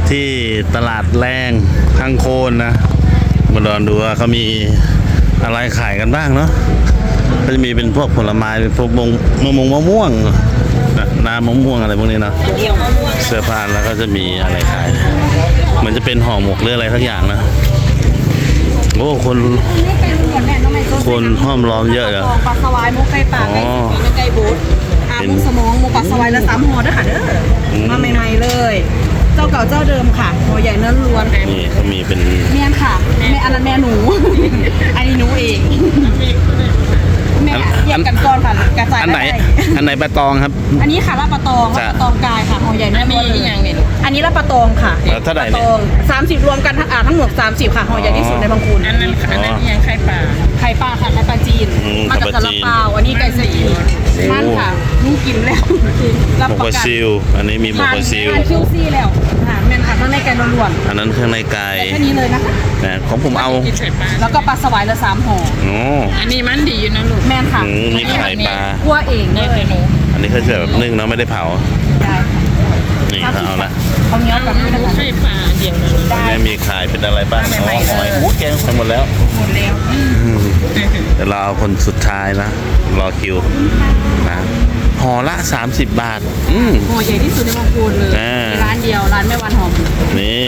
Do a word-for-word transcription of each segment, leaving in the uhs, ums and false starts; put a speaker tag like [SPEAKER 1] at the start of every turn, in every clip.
[SPEAKER 1] ที่ตลาดแรงข้างโคนนะมาลองดูว่าเขามีอะไรขายกันบ้างเนาะก็จะมีเป็นพวกผลไม้เป็นพวกมงมะม่วงมะม่วงน้ำมะม่วงอะไรพวกนี้เนาะเสื้อผ้าแล้วก็จะมีอะไรขายเหมือนจะเป็นห่อหมกหรืออะไรทักอย่างนะโอ้คนคนห้อมล้อมเยอะเลย
[SPEAKER 2] ปลาสวายมุกไก่ปลาไก่ไก่บูดอามุกสมองมุกปลาสวายและสามห่อด้วยค่ะเด้อมาใหม่ๆเลยเจ้าเก่าเจ้าเดิมค่ะหัวใหญ่เนื้อล้วน
[SPEAKER 1] นี่เขามีเป็น
[SPEAKER 2] เมียนค่ะแม่อันนั้นแม่หนูอันนี้หนูเองแม่แยกกันก่อนค่ะกระจาย
[SPEAKER 1] อันไหนอันไหนปลาตองครับ
[SPEAKER 2] อันนี้ค่ะลาบปลาตองลาบปลาตองกายค่ะหัวใหญ่เนื้อล้วนเลยอันนี้ลาบปลาตองค่ะ
[SPEAKER 1] เท่าไหร่
[SPEAKER 2] เนี่ยสามสิบรวมกันทั้งทั้งหมดสามสิบค่ะหัวใหญ่ที่สุดในบางคูน
[SPEAKER 3] อันนั้นอันนั้นยังไข่ปลา
[SPEAKER 2] ไข่ปลาค่ะไข่ปลาจีนมาจากซาลาเปาอันนี้ไก่ซีมันค่ะนุ่งกินแล้ว
[SPEAKER 1] หมกปลาซิวอันนี้มีหมกปลาซิว
[SPEAKER 2] คิวซี่แล้วอาหารแม่นค่ะข้างในไก่ล้วน
[SPEAKER 1] อันนั้นเครื่องในไก่
[SPEAKER 2] แค่นี้เลยนะคะ
[SPEAKER 1] นะของผมเอา
[SPEAKER 2] แล้วก็ปลาสวายละสามห่อ
[SPEAKER 1] อ๋อ
[SPEAKER 3] อันนี้มันดีอยู่นะลูก
[SPEAKER 2] แม่นค่ะ
[SPEAKER 1] มีไข่ปลา
[SPEAKER 2] คั่วเอง
[SPEAKER 3] เลยหนู
[SPEAKER 1] อันนี้เขาจะแบบนึ่งเนาะไม่ได้เผา
[SPEAKER 2] ได้
[SPEAKER 1] นี่เขาเอาละ
[SPEAKER 2] เขาเนี้ยแบบนี้นะคะ
[SPEAKER 3] ไข่ปลาเดียวเลย
[SPEAKER 1] ได้มีขายเป็นอะไรบ้างอ๋อหอยหมูแกงไปหมดแล้ว
[SPEAKER 2] หมดแล้ว
[SPEAKER 1] เดี๋ยวเราเอาคนสุดท้ายนะรอคิวนะห่อละสามสิบบาทอืม
[SPEAKER 2] ห่อใหญ่ที่สุดในบางปูนเลยร้านเดียวร้านแม่วันหอม
[SPEAKER 1] นี่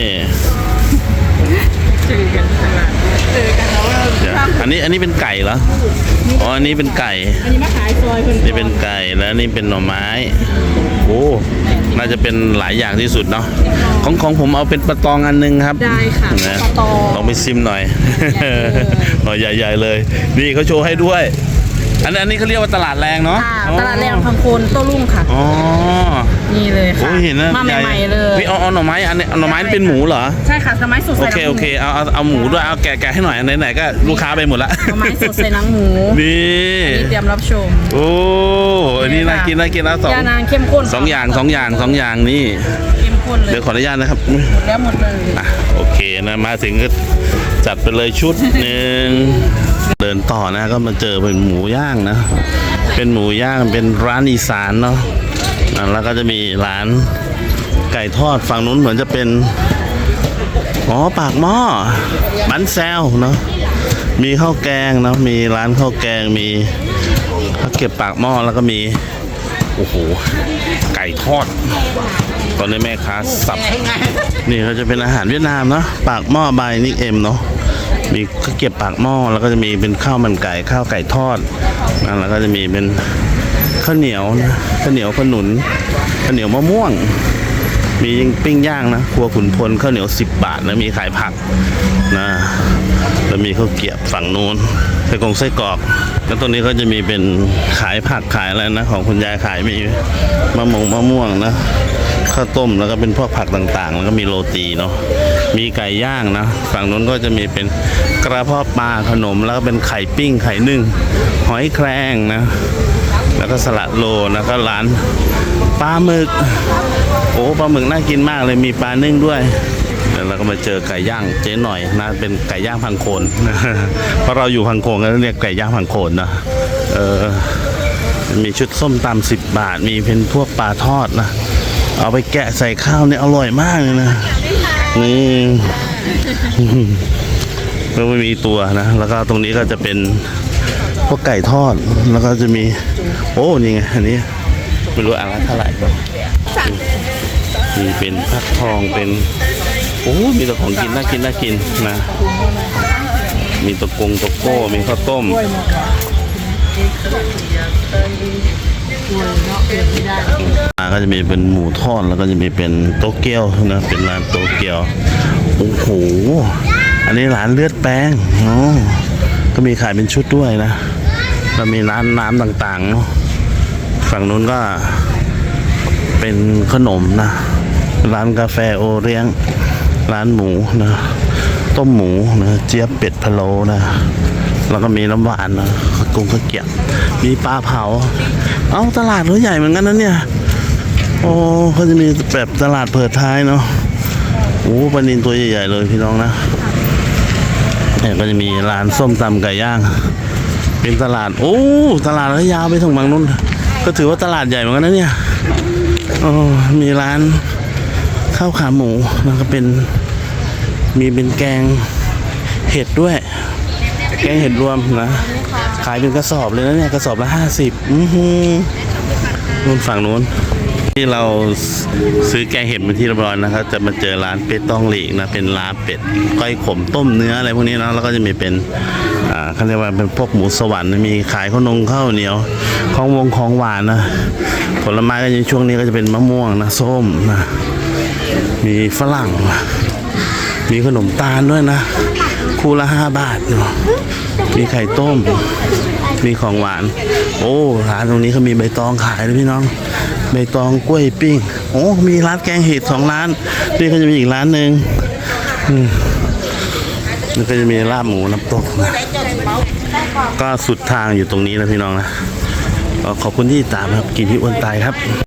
[SPEAKER 3] เจอกันตลาด
[SPEAKER 2] เจอกันแล้ว
[SPEAKER 1] อันนี้อันนี้เป็นไก่เหรออ๋ออันนี้เป็นไก่
[SPEAKER 2] อันนี้มาขายซอยคน
[SPEAKER 1] นี่เป็นไก่แล้วนี่เป็นหน่อไม้โอ้น่าจะเป็นหลายอย่างที่สุดเนาะของของผมเอาเป็นปลาตองอันนึงครับ
[SPEAKER 2] ได้ค่ะ
[SPEAKER 1] ปลาตองลองไปซิมหน่อยหน่อยใหญ่ๆเลยนี่เขาโชว์ให้ด้วยอันนี้อันนี้เขาเรียกว่าตลาดแรงเนาะ
[SPEAKER 2] ตลาดแรงพังโคนโต้รุ่งค่ะ
[SPEAKER 1] อ๋อ
[SPEAKER 2] นี่เลยค่ะ
[SPEAKER 1] เห็นนะ
[SPEAKER 2] มาใหม่ๆเลย
[SPEAKER 1] พี่เอาเอาหน่อไม้อันนี้หน่อไม้เป็นหมูเหรอ
[SPEAKER 2] ใช่ค่ะหน่อไม้สดใส่
[SPEAKER 1] โอเคโอเคเอาเอาเอาหมูด้วยเอาแกะแกะให้หน่อยไหนๆก็ลูกค้าไปหมดละ
[SPEAKER 2] หน่อไม้สดใส่หนังหมู
[SPEAKER 1] นี่
[SPEAKER 2] เตรียมรับชม
[SPEAKER 1] โอ้อันนี้น่ากินน่ากินแล้วสอง
[SPEAKER 2] ยานางเข้มข้น
[SPEAKER 1] สองอย่างสองอย่างสองอย่างนี่
[SPEAKER 2] เข้มข้นเลย
[SPEAKER 1] เดี๋ยวขออนุญาตนะครับ
[SPEAKER 2] หมดแล้วหมดเลย
[SPEAKER 1] อ่ะโอเคนะมาถึงก็จัดไปเลยชุดหนึ่งเดินต่อนะก็มาเจอเป็นหมูย่างนะเป็นหมูย่างเป็นร้านอีสานเนาะแล้วก็จะมีร้านไก่ทอดฝั่งนู้นเหมือนจะเป็นอ๋อปากหม้อบันแซวเนาะมีข้าวแกงเนาะมีร้านข้าวแกงมีข้าวเก็บปากหม้อแล้วก็มีโอ้โหไก่ทอดตอนนี้แม่ค้าสับนี่เขาจะเป็นอาหารเวียดนามเนาะปากหม้อบายนิกเอ็มเนาะมีข้าวเก็บปากหม้อแล้วก็จะมีเป็นข้าวมันไก่ข้าวไก่ทอดแล้วก็จะมีเป็นข้าวเหนียวนะข้าวเหนียวขนุนข้าวเหนียวมะม่วงมีปิ้งย่างนะครัวขุนพลข้าวเหนียวสิบบาทนะมีขายผักนะแล้วมีข้าวเกี๊ยวฝั่งนู้นไส้กรงไส้กรอกแล้วตรงนี้ก็จะมีเป็นขายผักขายอะไรนะของคุณยายขายมีมะม่วงมะม่วงนะข้าวต้มแล้วก็เป็นพวกผักต่างๆแล้วก็มีโรตีเนาะมีไก่ย่างนะฝั่งนู้นก็จะมีเป็นกระเพาะปลาขนมแล้วก็เป็นไข่ปิ้งไข่นึ่งหอยแครงนะแล้วก็สลัดโลแล้วก็ร้านปลาหมึกโอ้ปลาหมึกน่ากินมากเลยมีปลานึ่งด้วยแล้วเราก็มาเจอไก่ย่างเจ๊หน่อยนะเป็นไก่ย่างพังโคนเพราะเราอยู่พังโคนก็เรียกไก่ย่างพังโคนนะเออมีชุดส้มตำสิบบาทมีเป็นพวกปลาทอดนะเอาไปแกะใส่ข้าวเนี่ยอร่อยมากเลยนะนี่แล้วไม่มีตัวนะแล้วก็ตรงนี้ก็จะเป็นพวกไก่ทอดแล้วก็จะมีโอ้นี่ไงอันนี้ไม่รู้อะไรเท่าไหร่มีเป็นฟักทองเป็นโอ้มีแต่ของกินน่ากินน่ากินนะมีตะกงตะโก้มีข้าวต้มก็จะมีเป็นหมูทอดแล้วก็จะมีเป็นโตเกียวนะเป็นร้านโตเกียวโอ้โหอันนี้ร้านเลือดแป้งอ๋อก็มีขายเป็นชุดด้วยนะแล้วมีร้านน้ำต่างๆเนาะฝั่งนู้นก็เป็นขนมนะร้านกาแฟโอเลี้ยงร้านหมูนะต้มหมูนะเจี๊ยบเป็ดพะโล้นะแล้วก็มีน้ำหวานนะกุ้งข้าวเกี๊ยวมีปลาเผาเอ้าตลาดเขาใหญ่เหมือนกันนะเนี่ยโอ้เขาจะมีแบบตลาดเปิดท้ายเนาะโอ้ปลานิลตัวใหญ่ๆเลยพี่น้องนะเนี่ยก็จะมีร้านส้มตำไก่ย่างเป็นตลาดโอ้ตลาดระยาวไปถึงบางนู้นก็ถือว่าตลาดใหญ่เหมือนกันนะเนี่ยโอ้มีร้านข้าวขาหมูแล้วก็เป็นมีเป็นแกงเห็ดด้วย แกงเห็ดรวมนะขายเป็นกระสอบเลยนะเนี่ยกระสอบละห้าสิบอือหือนู่นฝั่งนู้นที่เราซื้อแกงเห็ดมาที่เรียบร้อยนะครับจะมาเจอร้านเป็ดต้องหลีกนะเป็นร้านเป็ดก้อยขมต้มเนื้ออะไรพวกนี้นะแล้วก็จะมีเป็นอ่าเขาเรียกว่าเป็นพวกหมูสวรรค์มีขายข้าวนงข้าวเหนียวของวงของหวานนะผลไม้ก็ในช่วงนี้ก็จะเป็นมะม่วงนะส้มนะมีฝรั่งมีขนมตาลด้วยนะคู่ละห้าบาทเนาะมีไข่ต้มมีของหวานโอ้ร้านตรงนี้เขามีใบตองขายเลยพี่น้องใบตองกล้วยปิ้งโอ้มีร้านแกงเห็ดสองร้านนี่ก็จะมีอีกร้านหนึ่งอืมนี่ก็จะมีลาบหมูน้ำตกนะก็สุดทางอยู่ตรงนี้นะพี่น้องนะก็ขอบคุณที่ติดตามครับกินที่อ้วนตายครับ